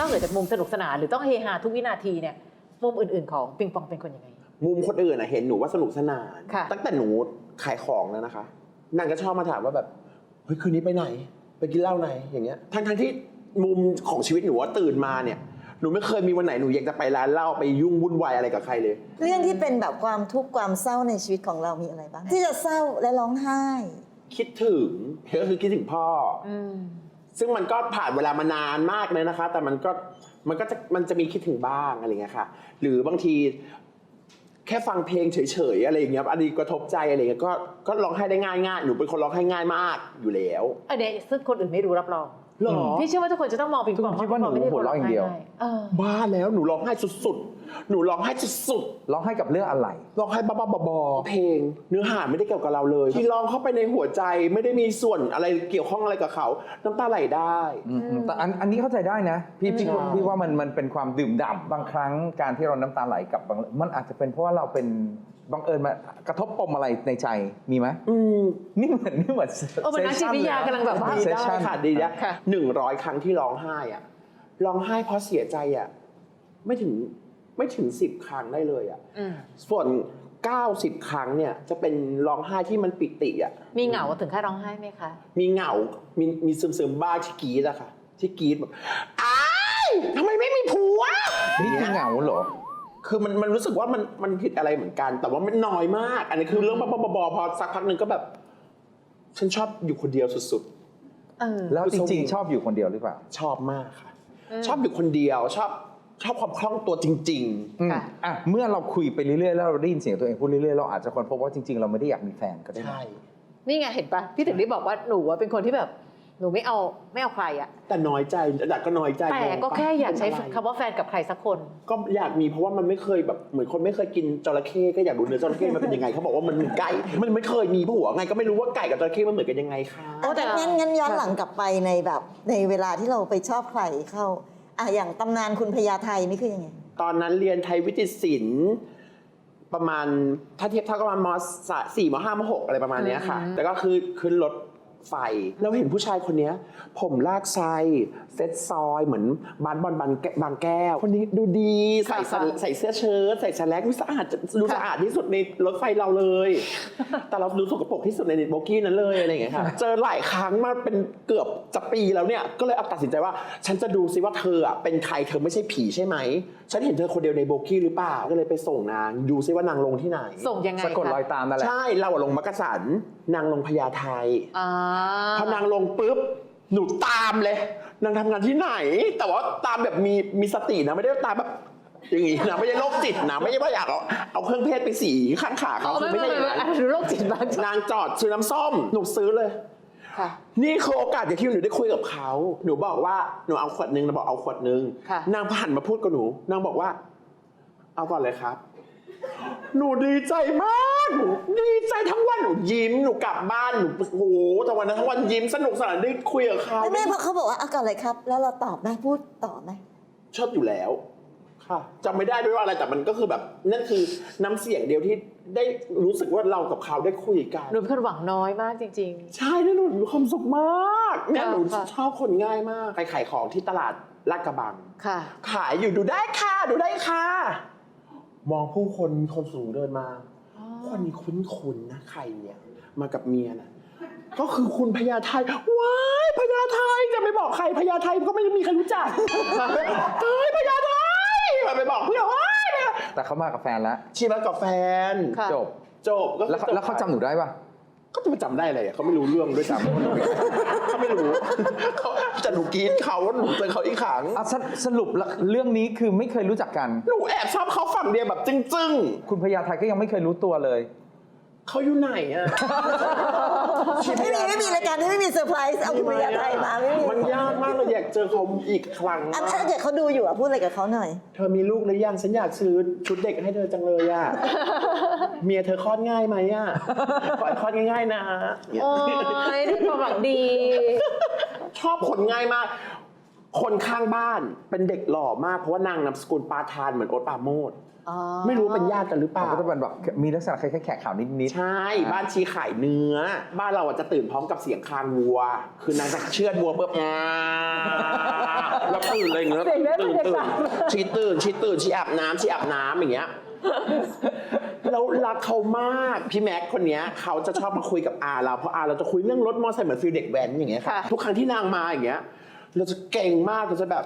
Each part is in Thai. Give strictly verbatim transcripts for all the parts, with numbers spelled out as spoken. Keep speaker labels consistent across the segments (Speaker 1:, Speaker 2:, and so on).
Speaker 1: เหนือจากมุมสนุกสนานหรือต้องเฮฮาทุกวินาทีเนี่ยมุมอื่นๆของปิงปองเป็นคนยังไง
Speaker 2: มุมคนอื่นอะเห็นหนูว่าสนุกสนาน
Speaker 1: ค่ะ
Speaker 2: ตั้งแต่หนูขายของแล้วนะคะนางก็ชอบมาถามว่าแบบเฮ้ยคืนนี้ไปไหนไปกินเหล้าไหนอย่างเงี้ยทั้งทั้งที่มุมของชีวิตหนูว่าตื่นมาเนี่ยหนูไม่เคยมีวันไหนหนูอยากจะไปร้านเหล้าไปยุ่งวุ่นวายอะไรกับใครเลย
Speaker 3: เรื่องที่เป็นแบบความทุกข์ความเศร้าในชีวิตของเรามีอะไรบ้างที่จะเศร้าและร้องไห้
Speaker 2: คิดถึงก็คือคิดถึงพ่ออ
Speaker 1: ม
Speaker 2: ซึ่งมันก็ผ่านเวลามานานมากเลยนะคะ แต่มันก็มันก็จะมันจะมีคิดถึงบ้างอะไรเงี้ยค่ะหรือบางทีแค่ฟังเพลงเฉยๆอะไรอย่างเงี้ยอันนี้กระทบใจอะไรเงี้ยก็ก็ร้องไห้ได้ง่ายง่ายหนูเป็นคนร้องไห้ง่ายมากอยู่แล้ว
Speaker 1: อันเนี้ยซึ่งคนอื่นไม่รู้รับรอง
Speaker 2: หรอ
Speaker 1: พี่เชื่อว่าทุกคนจะต้องมองปิงปอง
Speaker 4: คิดว่าหนู
Speaker 1: ปิงปไม่ไ
Speaker 4: หัวเราะอย่างเดียว
Speaker 1: เออ
Speaker 2: บ้าแล้วหนูร้องไห้สุดๆหนูร้องไห้สุดๆ
Speaker 4: ร้องให้กับเรื่องอะไร
Speaker 2: ร้องไห้บ้าๆบอๆเพลงเนื้อหาไม่ได้เกี่ยวกับเราเลยที่ร้องเข้าไปในหัวใจไม่ได้มีส่วนอะไรเกี่ยวข้องอะไรกับเขาน้ำตาไหลได้
Speaker 4: อืมแต่อันอันนี้เข้าใจได้นะพี่พี่
Speaker 2: ใช่
Speaker 4: พี่ว่ามันมันเป็นความดื่มด่ำบางครั้งการที่เราน้ำตาไหลกับบางมันอาจจะเป็นเพราะว่าเราเป็นบังเอิญมากระทบปมอะไรในใจมีไหม
Speaker 2: อืม
Speaker 4: นี่เหมือนนี่เหมือน
Speaker 1: เออมันนักจิตวิทยากำลังแบบว่า
Speaker 2: ดีได้ค่ะดีนะ
Speaker 1: ค่ะ
Speaker 2: หนึ่งร้อยครั้งที่ร้องไห้อะร้องไห้เพราะเสียใจอะไม่ถึงไม่ถึงสิบครั้งได้เลยอะ
Speaker 1: อืม
Speaker 2: ส่วนเก้าสิบครั้งเนี่ยจะเป็นร้องไห้ที่มันปิติอะ
Speaker 1: มีเหงาถึงขั้นร้องไห้ไหมคะ
Speaker 2: มีเหงา มีมีซึมซึมๆบ้างที่กรีดอะค่ะที่กรีดแบบอ้ายทำไมไม่มีผัว
Speaker 4: นี่คือเหงาเหรอ
Speaker 2: คือมันมันรู้สึกว่ามันมันผิดอะไรเหมือนกัน แต่ว่ามันน้อยมาก อันนี้คือเรื่องบ้าๆบอๆพอสักพักหนึ่งก็แบบ ฉันชอบอยู่คนเดียวสุด
Speaker 1: เออ
Speaker 4: แล้วจริงๆ ชอบอยู่คนเดียวหรือเปล่า
Speaker 2: ๆ ชอบมากค่ะ ชอบอยู่คนเดียวชอบชอบความคล่องตัวจริง
Speaker 4: อืม
Speaker 1: ค่ะ
Speaker 4: อ่ะเมื่อเราคุยไปเรื่อยๆแล้วเราได้ยินเสียงตัวเองพูดเรื่อยๆเราอาจจะค้นพบว่าจริงๆเราไม่ได้อยากมีแฟนก็
Speaker 2: ๆ
Speaker 4: ได้
Speaker 2: ใช่
Speaker 1: นี่ไงเห็นปะพี่ถึงได้บอกว่าหนูอะเป็นคนที่แบบหนูไม่เอาไม่เอาใครอะ
Speaker 2: แต่น้อยใจแต่ก็น้อยใจ
Speaker 1: แต่ก็แค่อยากใช้
Speaker 2: เป็นอะไร
Speaker 1: คำว่าแฟนกับใครสักคน
Speaker 2: ก็อยากมีเพราะว่ามันไม่เคยแบบเหมือนคนไม่เคยกินจระเข้ก็อยากดูเนื้อจระเข้มันเป็นยังไงเขาบอกว่ามันเหมือนไก่มันไม่เคยมีผัวไงก็ไม่รู้ว่าไก่กับจระเข้มันเหมือนกันยังไงคะ
Speaker 1: โอ้แต่
Speaker 3: งั้นงั้นย้อนหลังกลับไปในแบบในเวลาที่เราไปชอบใครเข้าอ่ะอย่างตำนานคุณพญาไทนี่คือยังไง
Speaker 2: ตอนนั้นเรียนไทยวิจิตรศิลป์ประมาณถ้าเทียบเท่ากับประมาณมสี่มห้ามหกอะไรประมาณเนี้ยค่ะ
Speaker 1: อืม
Speaker 2: แต่ก็คือขึ้นรถไฟแล้วเห็นผู้ชายคนเนี้ยผมลากไซเซ็ตซอยเหมือนบานบอลบางแก้บางแก้ว คนนี้ดูดีใส่สะใส่เสื้อเชิ้ตใส่สแลกดูสะอาดดูสะอาดที่สุดในรถไฟเราเลย แต่เราดูสกปรกที่สุดในโบกี้นั้นเลยอะไรอย่างเงี้ยค่ะเจอหลายครั้งมาเป็นเกือบจะปีแล้วเนี่ยก็เลยเอาตัดสินใจว่า ฉันจะดูซิว่าเธออ่ะเป็นใครเธอไม่ใช่ผีใช่ไหมฉันเห็นเธอคนเดียวในโบกี้หรือเปล่าก็เลยไปส่งนางดูซิว่านางลงที่ไหน
Speaker 1: ส่งยังไง
Speaker 4: สะกดรอย
Speaker 1: คะ
Speaker 4: ตามนั่นแหละ
Speaker 2: ใช่เราอะลงมักกะสันนางลงพญาไท
Speaker 1: อ่า
Speaker 2: พอนางลงปุ๊บหนูตามเลยนางทำงานที่ไหน แต่ว่าตามแบบมีมีสตินะไม่ได้ตามแบบอย่างงี้นะไม่ใช่โรคจิตนะไม่ใช่ว่าอยากเอาเอาเครื่องเพศไปสีข้างขาเขา
Speaker 1: เอา
Speaker 2: คือ
Speaker 1: ไม่
Speaker 2: ไม่
Speaker 1: ไม่
Speaker 2: ใช่อ
Speaker 1: ไม่
Speaker 2: ย่างนั้น
Speaker 1: อันนี้โรคจิตมาก
Speaker 2: นางจอดซื้อน้ำส้มหนูซื้อเลย
Speaker 1: ค่ะ
Speaker 2: นี่คือโอกาสอย่างที่หนูได้คุยกับเขาหนูบอกว่าหนูเอาขวดนึงเราบอกเอาขวดนึง
Speaker 1: ค่ะ
Speaker 2: นางผ่านมาพูดกับหนูนางบอกว่า เอาก่อนเลยครับ หนูดีใจมากหนูดีใจทั้งวันหนูยิ้มหนูกลับบ้านหนูโอ้โหทั้งวันนั้นทั้งวันยิ้มสนุกสนานได้คุยกับเขา
Speaker 3: ไม่ไม่เพราะเขาบอกว่าเอาก่อนเลยครับ แล้วเราตอบไหมพูดต่อไหม
Speaker 2: ชอบอยู่แล้วค่ะจำไม่ได้ด้วยว่าอะไรแต่มันก็คือแบบนั่นคือน้ำเสียงเดียวที่ได้รู้สึกว่าเรากับเขาได้คุยกัน
Speaker 1: หนูเป็นคนหวังน้อยมากจริง
Speaker 2: ใช่แล้วหนูมีความสุขมากเนี่ย
Speaker 1: ค่ะ
Speaker 2: หนู
Speaker 1: ค่ะ
Speaker 2: ชอบคนง่ายมากไปขายของที่ตลาดลาดกระบัง
Speaker 1: ๆ ค่ะ
Speaker 2: ขายอยู่ดูได้ค่ะดูได้ค่ะ มองผู้คนมีคนสูงเดินมา
Speaker 1: อ๋อ
Speaker 2: คนนี้คุ้นๆนะใครเนี่ยมากับเมียนะก็คือคุณพญาไทว้ายพญาไทจะไปบอกใครพญาไทก็ไม่มีใครรู้จักเฮ้ยพญาไทมาไปบอกเพื่อนว้ายเนี่ย
Speaker 4: แต่เขามากับแฟนแล้ว
Speaker 2: ชีมากับแฟน
Speaker 1: ค่ะ
Speaker 4: จบ
Speaker 2: จบก็คือ
Speaker 4: แล้วเขาแล้วเขาจำหนูได้ปะ
Speaker 2: ก็จะมาจำได้อะไรอ่ะเขาไม่รู้เรื่องด้วยซ้ำเขาไม่รู้เขาจะหนูกรีดเขาหนูเจอเขาอีกครั้ง
Speaker 4: อ่ะสสรุปแล้วเรื่องนี้คือไม่เคยรู้จักกัน
Speaker 2: หนูแอบชอบเขาฝั่งเดียวแบบจึ้ง
Speaker 4: คุณพญาไทก็ยังไม่เคยรู้ตัวเลย
Speaker 2: ๆเขาอยู่ไหนอ่ะ
Speaker 3: ไม่มีไม่มีรายการที่ไม่มีเซอร์ไพรส์เอาคุณพญาไทมาไม่มี
Speaker 2: มันยากมากเลยอยากเจอเขาอีกครั้ง
Speaker 3: อันถ้าเกิดเขาดูอยู่อ่ะพูดอะไรกับเขาหน่อย
Speaker 2: เธอมีลูกหรือยังฉันอยากซื้อชุดเด็กให้เธอจังเลยอ่ะ เมียเธอคลอดง่ายไหมอ่ะขอให้คลอดง่ายๆนะเนี่ย
Speaker 1: โอ้ยด้วยความหวังดี
Speaker 2: ชอบคนง่ายมากคนข้างบ้านเป็นเด็กหล่อมากเพราะว่านางนามสกุลปาทานเหมือนโอ๊ตปราโมช
Speaker 1: อ๋อ
Speaker 2: ไม่รู้เป็นญาติกันหรือเปล่า
Speaker 4: ก็จะเป็นแบบมีลักษณะคล้ายๆแขกขาวนิดๆ
Speaker 2: ใช่ บ้านชีขายเนื้อ บ้านเราอ่ะจะตื่นพร้อมกับเสียงคางวัว คือนางจะเชือดวัวปุ๊บอ่าแล้วตื่นเลยอย่างเงี้ย
Speaker 1: เสียงได้
Speaker 2: ตื่น
Speaker 1: บรรยา
Speaker 2: ตื่น
Speaker 1: กาศ
Speaker 2: ชีตื่นชีตื่นชีอาบน้ำชีอาบน้ำอย่างเงี้ยแล้วรักเขามากพี่แม็กคนเนี้ยเขาจะชอบมาคุยกับอาเราเพราะอาเราจะคุยเรื่องรถมอเตอร์ไซค์เหมือนฟิลเด็กแว้นอย่างเงี้ยค่ะ
Speaker 1: ค่ะ
Speaker 2: ทุกครั้งที่นางมาอย่างเงี้ย เราจะเก่งมากเราจะแบบ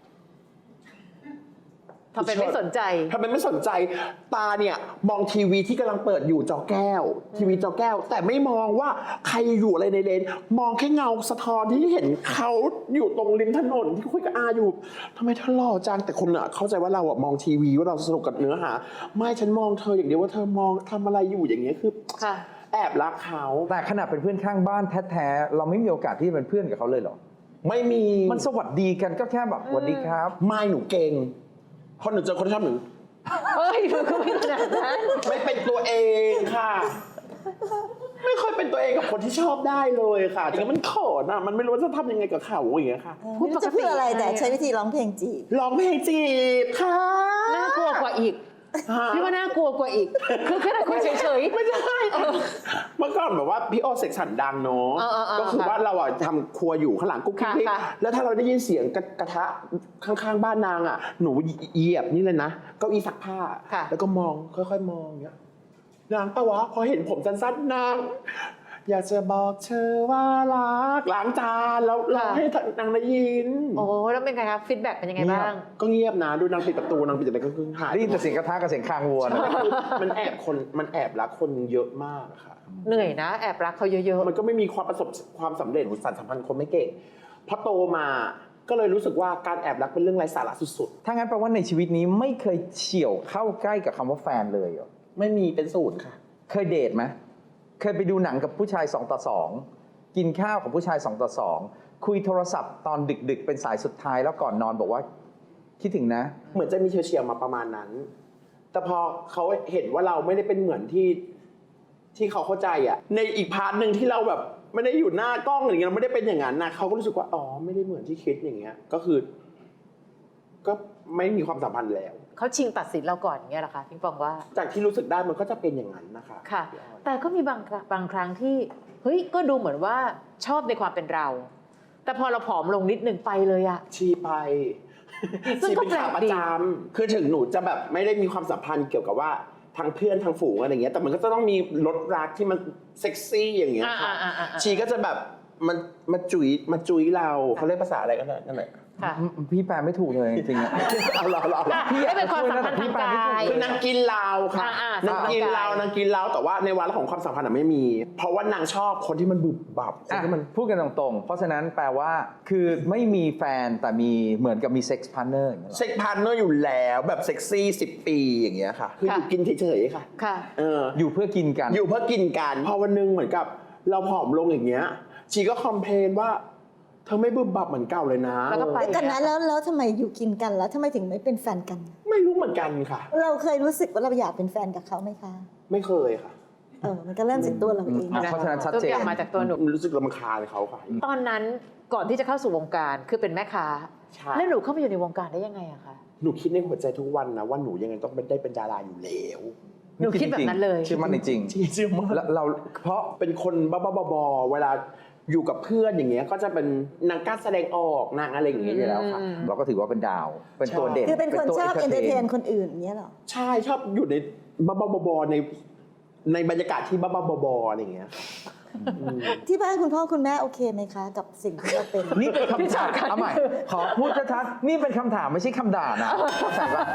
Speaker 1: ทำเป็นไม่สนใจ
Speaker 2: ทำไมไม่สนใจตาเนี่ยมองทีวีที่กำลังเปิดอยู่จอแก้ว ทีวีจอแก้ว แต่ไม่มองว่าใครอยู่อะไรในเลนมองแค่เงาสะท้อนที่เห็นเขาอยู่ตรงริมถนนที่คุยกับอาอยู่ทำไมเธอหล่อจังแต่คนอะเข้าใจว่าเราอะมองทีวีว่าเราสนุกกับเนื้อหาไม่ฉันมองเธออย่างเดียวว่าเธอมองทำอะไรอยู่อย่างเงี้ยคือ
Speaker 1: ค่ะ
Speaker 2: แอบรักเขา
Speaker 4: แต่ขนาดเป็นเพื่อนข้างบ้านแท้ๆเราไม่มีโอกาสที่จะเป็นเพื่อนกับเขาเลยเหรอ
Speaker 2: ไม่มี
Speaker 4: มันสวัสดีกันก็แค่แบบสวัสดีครับ
Speaker 2: ไม่หนูเก่งพอหนูเจอคนที่ชอบหนู
Speaker 1: เฮ้ยหนูก็ไม่ขนาดนั้น
Speaker 2: ไม่เป็นตัวเองค่ะ ไม่ค่อยเป็นตัวเองกับคนที่ชอบได้เลยค่ะแต่มันเขินอ่ะ มันไม่รู้ว่าจะทำยังไงกับเขาอย่างเงี้ยค่ะ
Speaker 3: พูดจะพูดอะไรแต่ใช้วิธีร้องเพลงจีบ
Speaker 2: ร้องเพลงจีบค่ะ
Speaker 1: น่ากลัวกว่าอีก
Speaker 2: ฮะ
Speaker 1: พี่ว่าน่ากลัวกว่าอีก คือแค่คุยเฉยๆ
Speaker 2: ไม่ใช่เมื่อก่อนแบบว่าพี่โอเสกสรรดังเนาะ
Speaker 1: เออเออเออ
Speaker 2: ก็คือว่าเราอ่ะทำครัวอยู่ข้างหลังกุ๊กกิ๊ก
Speaker 1: ค่ะ
Speaker 2: กิ๊ก
Speaker 1: ค่ะ
Speaker 2: แล้วถ้าเราได้ยินเสียงกระกระทะข้างๆบ้านนางอ่ะหนูเหยียบนี่เลยนะเก้าอี้ซักผ้า
Speaker 1: ค่ะ
Speaker 2: แล้วก็มองค่อยๆมองอย่างเงี้ยนางปะวะพอเห็นผมสั้นๆนางอยากจะบอกเธอว่ารักล้างจานแล้วร้องให้นางได้ยิน
Speaker 1: โอ้แล้วเป็นไงครับฟีดแบ็กเป็นยังไงบ้าง
Speaker 2: ก็เงียบนะดูนางปิดประตูนางปิดอะไรก็คือหาย
Speaker 4: ได้ยินแต่เสียงกระทะกับเสียงคางวัวนะ
Speaker 2: มันแอบคนมันแอบรักคนเยอะมากอะค่ะ
Speaker 1: เหนื่อยนะ แอบรักเขาเยอะ
Speaker 2: มันก็ไม่มีความประสบความสำเร็จสารสัมพันธ์คนไม่เก่งพอโตมาก็เลยรู้สึกว่าการแอบรักเป็นเรื่องไร้สาระสุด
Speaker 4: ถ้างั้นแปลว่าในชีวิตนี้ไม่เคยเฉี่ยวเข้าใกล้กับคำว่าแฟนเลยเหรอ
Speaker 2: ๆไม่มีเป็นศูนย์ค่ะ
Speaker 4: เคยเดทไหมเคยไปดูหนังกับผู้ชายสองต่อสองกินข้าวกับผู้ชายสองต่อสองคุยโทรศัพท์ตอนดึกๆเป็นสายสุดท้ายแล้วก่อนนอนบอกว่าคิดถึงนะ
Speaker 2: เหมือนจะมีเฉียวๆมาประมาณนั้น แต่พอเขาเห็นว่าเราไม่ได้เป็นเหมือนที่ที่เขาเข้าใจอะในอีกพาร์ทหนึ่งที่เราแบบไม่ได้อยู่หน้ากล้องอย่างเงี้ยเราไม่ได้เป็นอย่างนั้นนะเขาก็รู้สึกว่าอ๋อไม่ได้เหมือนที่คิดอย่างเงี้ย ก็คือ ก็ไม่มีความสัมพันธ์แล้ว
Speaker 1: ๆ เขาชิงตัดสินเราก่อนอย่างเงี้ยเหรอคะพิงปองว่า
Speaker 2: จากที่รู้สึกได้มันก็จะเป็นอย่างนั้นนะคะ
Speaker 1: ค่ะ แต่ก็มีบางบางครั้งที่เฮ้ยก็ดูเหมือนว่าชอบในความเป็นเรา แต่พอเราผอมลงนิดนึงไปเลยอะ
Speaker 2: ชีไป
Speaker 1: ซึ่ง
Speaker 2: ชี
Speaker 1: ก็
Speaker 2: เป็นขาประ
Speaker 1: แปลกดี
Speaker 2: จำคือถึงหนูจะแบบไม่ได้มีความสัมพันธ์เกี่ยวกับว่าทางเพื่อนทางฝูงอะไรอย่างเงี้ยแต่มันก็จะต้องมีรสรักที่มันเซ็กซี่อย่างเงี้ยค่ะ
Speaker 1: อ่าๆๆๆ
Speaker 2: ชีก็จะแบบมันมาจุยมาจุยเราเขาเรียกภาษาอะไรกันนะนั่นแหละ
Speaker 1: ค่ะ
Speaker 4: พี่แปลไม่ถูกเลยจริงๆอะ
Speaker 2: เอาเราเรา
Speaker 1: อ่ะไม่เป็นความสัมพันธ์ทางกาย
Speaker 2: คือนางกินเราค่ะ
Speaker 1: อ่าๆ
Speaker 2: นางกินเรา
Speaker 1: ร่างกาย
Speaker 2: นางกินเราแต่ว่าในวาระของความสัมพันธ์อะไม่มี เพราะว่านางชอบคนที่มันบุบบับคน
Speaker 4: อ่ะ
Speaker 2: ที่มัน
Speaker 4: พูดกันตรงๆ เพราะฉะนั้นแปลว่าคือไม่มีแฟนแต่มีเหมือนกับมีเซ็กซ์พาร์ทเนอร์อย่างเงี้ยเหรอ
Speaker 2: เซ็กพาร์ทเนอร์อยู่แล้วแบบเซ็กซี่สิบปีอย่างเงี้ยค่ะคืออยู่กินเฉยๆค่ะ
Speaker 1: ค่ะ
Speaker 2: เออ
Speaker 4: อยู่เพื่อกินกัน
Speaker 2: อยู่เพื่อกินกันพอวันหนึงเหมือนกับเราผอมลงอย่างเงี้ยชีก็คอมเพลนว่าเธอไม่บึบบับเหมือนเก่าเลยนะ
Speaker 1: แล้วก็ไป
Speaker 3: แล้วกันนะแล้วแล้วทำไมอยู่กินกันแล้วทำไมถึงไม่เป็นแฟนกัน
Speaker 2: ไม่รู้เหมือนกันค่ะ
Speaker 3: เราเคยรู้สึกว่าเราอยากเป็นแฟนกับเขาไหมคะ
Speaker 2: ไม่เคยค่ะ
Speaker 3: เออมันก็เริ่มจากตัวเราเอง
Speaker 4: อ่ะเพราะฉะนั้นชัด
Speaker 1: ทุก
Speaker 4: เจ
Speaker 1: อน ย่างมาจากตัวหนู
Speaker 2: รู้สึกรำคาญเขาค่ะ
Speaker 1: ตอนนั้นก่อนที่จะเข้าสู่วงการคือเป็นแม่ค้า
Speaker 2: ใช่
Speaker 1: แล้วหนูเข้ามาอยู่ในวงการได้ยังไงอะคะ
Speaker 2: หนูคิดในหัวใจทุกวันนะว่าหนูยังไงต้องเป็นได้เป็นดาราอยู่แล้ว
Speaker 1: หนูคิดแบบนั้นเลย
Speaker 4: เชื่อมั่นจริง
Speaker 2: จริงๆมาก
Speaker 4: ๆแล้วเราเพราะ
Speaker 2: เป็นคนบ้าๆบอๆเวลาอยู่กับเพื่อนอย่างเงี้ยก็จะเป็นนางกล้าแสดงออกนางอะไรอย่างเงี้ยอยู่แล้วค่ะ
Speaker 1: อืม
Speaker 4: เราก็ถือว่าเป็นดาว เป็นตัวเด่น
Speaker 3: คือเป็นคน
Speaker 4: ตัว
Speaker 3: ชอบเอนเตอร์เทน
Speaker 4: entertain
Speaker 3: คนอื่นอย่างเงี้ยเหรอ
Speaker 2: ใช่ชอบอยู่ในบ้าๆบอๆในในบรรยากาศที่บ้าๆบอๆอะไรอย่างเงี้ยอืม
Speaker 3: ที่บ้านคุณพ่อคุณแม่โอเคไหมคะ กับสิ่งที่เราเป็น
Speaker 4: นี่เป็น
Speaker 1: ที่
Speaker 4: คำถาม
Speaker 1: สำคัญ
Speaker 4: เอาใหม่
Speaker 1: คือ
Speaker 4: ขอพูดชัดๆนี่เป็นคำถามไม่ใช่คำด่านะเข้าใจปะ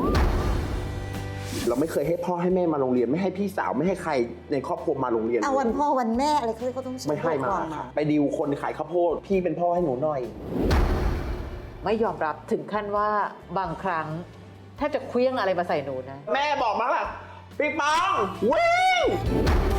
Speaker 2: เราไม่เคยให้พ่อให้แม่มาโรงเรียนไม่ให้พี่สาวไม่ให้ใครในครอบครัวมาโรงเรียน
Speaker 3: เอาวันพ่อวันแม่อะไรเขาก็ต้อง
Speaker 2: ไม่ให้มา
Speaker 3: ก่อน
Speaker 2: ค่ะไปดิวคนขายข้าวโพดพี่เป็นพ่อให้หนูหน่อย
Speaker 1: ไม่ยอมรับถึงขั้นว่าบางครั้งแทบจะเคลี้ยงอะไรมาใส่หนูนะ
Speaker 2: แม่บอกมาล่ะปิ๊งปองวิ่ง